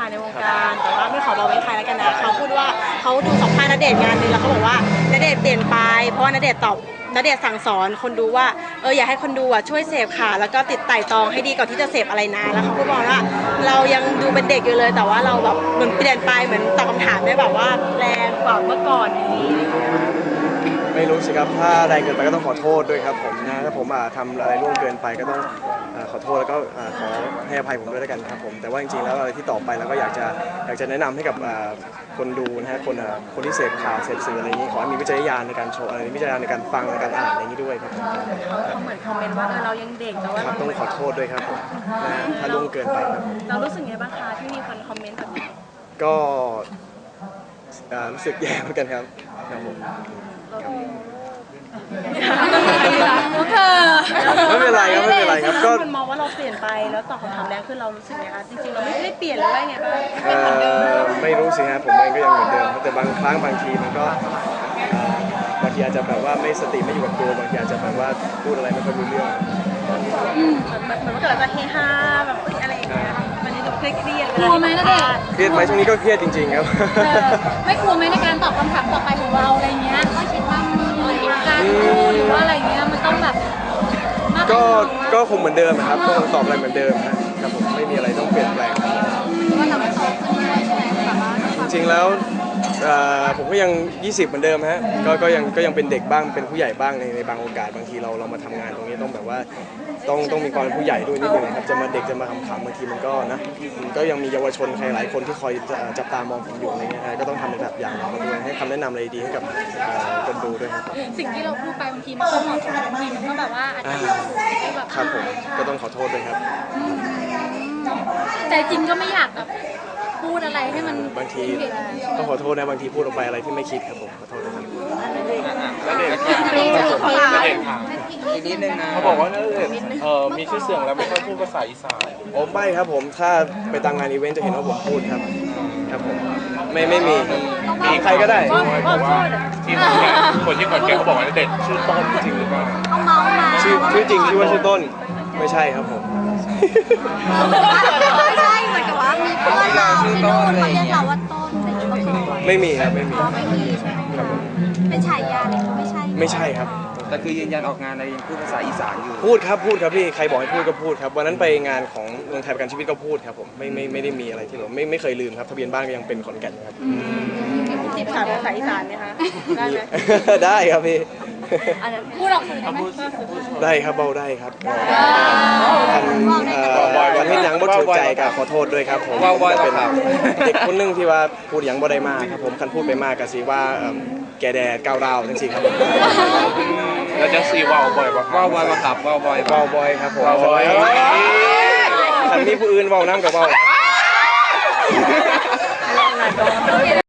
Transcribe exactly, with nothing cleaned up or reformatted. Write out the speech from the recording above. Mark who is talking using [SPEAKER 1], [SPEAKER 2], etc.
[SPEAKER 1] ค่ะในวงการแต่ว่าไม่ขอบอกเป็นใครแล้วกันนะเขาพูดว่าเขาดูสัมภาษณ์ณเดชน์งานนึงแล้วเขาบอกว่าณเดชน์เปลี่ยนไปเพราะว่าณเดชน์ตอบณเดชน์สั่งสอนคนดูว่าเอออยากให้คนดูอ่ะช่วยเสพค่ะแล้วก็ติดไต่ตองให้ดีก่อนที่จะเสพอะไรนะแล้วเขาก็บอกว่าเรายังดูเป็นเด็กอยู่เลยแต่ว่าเราแบบเหมือนเปลี่ยนไปเหมือนตอบคำถามได้แบบว่าแรงกว่าเมื่อก่อนอย่างนี้
[SPEAKER 2] ไม่รู้สิครับถ้าแรงเกินไปก็ต้องขอโทษด้วยครับผมนะถ้าผมทำอะไรล่วงเกินไปก็ต้องขอโทษแล้วก็ขอให้อภัยผมด้วยแล้วกันครับผมแต่ว่าจริงๆแล้วอะไรที่ต่อไปเราก็อยากจะอยากจะแนะนำให้กับคนดูนะฮะคนคนที่เสพข่าวเสพสื่ออะไรอย่างนี้ขอให้มีวิจารณญาณในการโชว์อะไรวิจารณญาณในการฟังในการอ่านอย่างนี้ด้วยครับ
[SPEAKER 1] เขาเหมือนคอมเมนต์ว่าเออเรายังเด็กแต่ว่า
[SPEAKER 2] ครับต้องขอโทษด้วยครับผมนะถ้าล่วงเกินไปครับ
[SPEAKER 1] เรารู้สึกไงบ้างคะที่มีคนคอมเมนต์แบบนี้
[SPEAKER 2] ก็รู้สึกแย่เหมือนกันครับครับผมไม่เป็นไรครับไม่เป็นไรครับก็
[SPEAKER 1] คนมองว่าเราเปลี่ยนไปแล้วตอบคำถามแรงขึ้นเรารู้สึกไงคะจริงๆเราไม่ได้เปลี่ยนหรือว่าไงบ้าง
[SPEAKER 2] ไม่รู้สิฮะผมเองก็ยังเหมือนเดิมแต่บางครั้งบางทีมันก็บางทีอาจจะแบบว่าไม่สติไม่อยู่กับตัวบางทีอาจจะแบบว่าพูดอะไรไม่ค่อยรู้เรื่อง
[SPEAKER 1] เหมือนว่าเกิดจะเฮฮาแบบอะไรอย่างเงี้ยมันนี่ดูเครียด
[SPEAKER 3] กลัวไหมนะเด็ก
[SPEAKER 2] เครียดไหมช่วงนี้ก็เครียดจริงๆครับ
[SPEAKER 3] ไม่กลัวไหมในการตอบคำถามต่อไปของเราอะไรเงี้ยก็คิดว่าการพูดหรือว่าอะไรเงี้ยมันต้องแบบ
[SPEAKER 2] ก็ก็คงเหมือนเดิมนะครับก็คงตอบอะไรเหมือนเดิมนะครับผมไม่มีอะไรต้องเปลี่ยนแปลง
[SPEAKER 3] ว่าเราไม่โตขึ้นเลยใช่ไหมแบบว่า
[SPEAKER 2] จริงๆแล้วผมก็ยังยี่สิบเหมือนเดิมฮะก็ก็ยังก็ยังเป็นเด็กบ้างเป็นผู้ใหญ่บ้างในในบางโอกาสบางทีเราเรามาทำงานตรงนี้ต้องแบบว่าต้องต้องมีความเป็นผู้ใหญ่ด้วยนิดนึงครับจะมาเด็กจะมาขำๆบางทีมันก็นะมันก็ยังมีเยาวชนใครหลายคนที่คอยจับตามองผมอยู่อะไรเงี้ยก็ต้องทำในแบบอย่างเขาด้วยให้คำแนะนำอะไรดีให้กับคนดูด้วยครับ
[SPEAKER 3] สิ่งที่เราพูดไปบางทีมันก็บางทีมันก็แบบว่าอาจจะแบบ
[SPEAKER 2] ครับผมก็ต้องขอโทษด้วยครับ
[SPEAKER 3] ใจจริงก็ไม่อยากแบบพูดอะไรให้มัน
[SPEAKER 2] บางทีต้องขอโทษนะบางทีพูดออกไปอะไรที่ไม่คิดครับผมขอโทษนะครับ
[SPEAKER 4] แล้วเด็กอีกนิดนึงนะเขาบอกว่าเออมีชื่อเสียงแล้วไม่ค่อยพูดภาษาอีสาน
[SPEAKER 2] โอ้ไม่ครับผมถ้าไปตามงานอีเวนต์จะเห็นว่าผมพูดครับครับผมไม่ไม่มีมีใครก็ได้
[SPEAKER 4] บอกว่าที่คนที่ขอนแก่นเขาบอกว่าเด็กชื่อต้นจริงหรือเปล่า
[SPEAKER 2] ชื่อชื่อจริงชื่อว่าชื่อต้นไม่ใช่ครับผม
[SPEAKER 3] ไม่ใช่เหมือนกับว่ามีเพื่อนเราชื่อต้นเขาเรียกเราว่าต้นอะไรอย่างเงี้ย
[SPEAKER 2] ไม่มีครับไม่มี
[SPEAKER 3] ไม่มีครับเป็นฉายาเลยเขาไม่ใช่
[SPEAKER 2] ไม่ใช่ครับ
[SPEAKER 4] แต่คือยืนยันออกงานอะไรยังพูดภาษาอีสานอยู่
[SPEAKER 2] พูดครับพูดครับพี่ใครบอกให้พูดก็พูดครับวันนั้นไปงานของเมืองไทยประกันชีวิตก็พูดครับผมไม่ไม่ไม่ได้มีอะไรที่แบบไม่ไม่เคยลืมครับทะเบียนบ้านก็ยังเป็นขอนแก่นครับ
[SPEAKER 1] จีบสาวภาษาอีสานไหมคะได้ไหม
[SPEAKER 2] ได้ครับพี่
[SPEAKER 3] พูดออกสื่อได้ไหม
[SPEAKER 2] ได้ครับเบาได้ครับทันวันที่ยังบ่ถูกใจก็ขอโทษด้วยครับผมเป็นเด็กคนนึงที่ว่าพูดยังบ่ได้มากครับผมคันพูดไปมากก็สิว่าแกแดดก้าวร้าวทั้งสี่ครับ
[SPEAKER 4] แล้วจะซีว่าวบ่อยป่ะว่าวบ่อยป่ะครับว่าวบ่อย
[SPEAKER 2] ว่าวบ่อยครับผมว่าวบ่อยคันมีผู้อื่นว่าวน้ำกับว่าว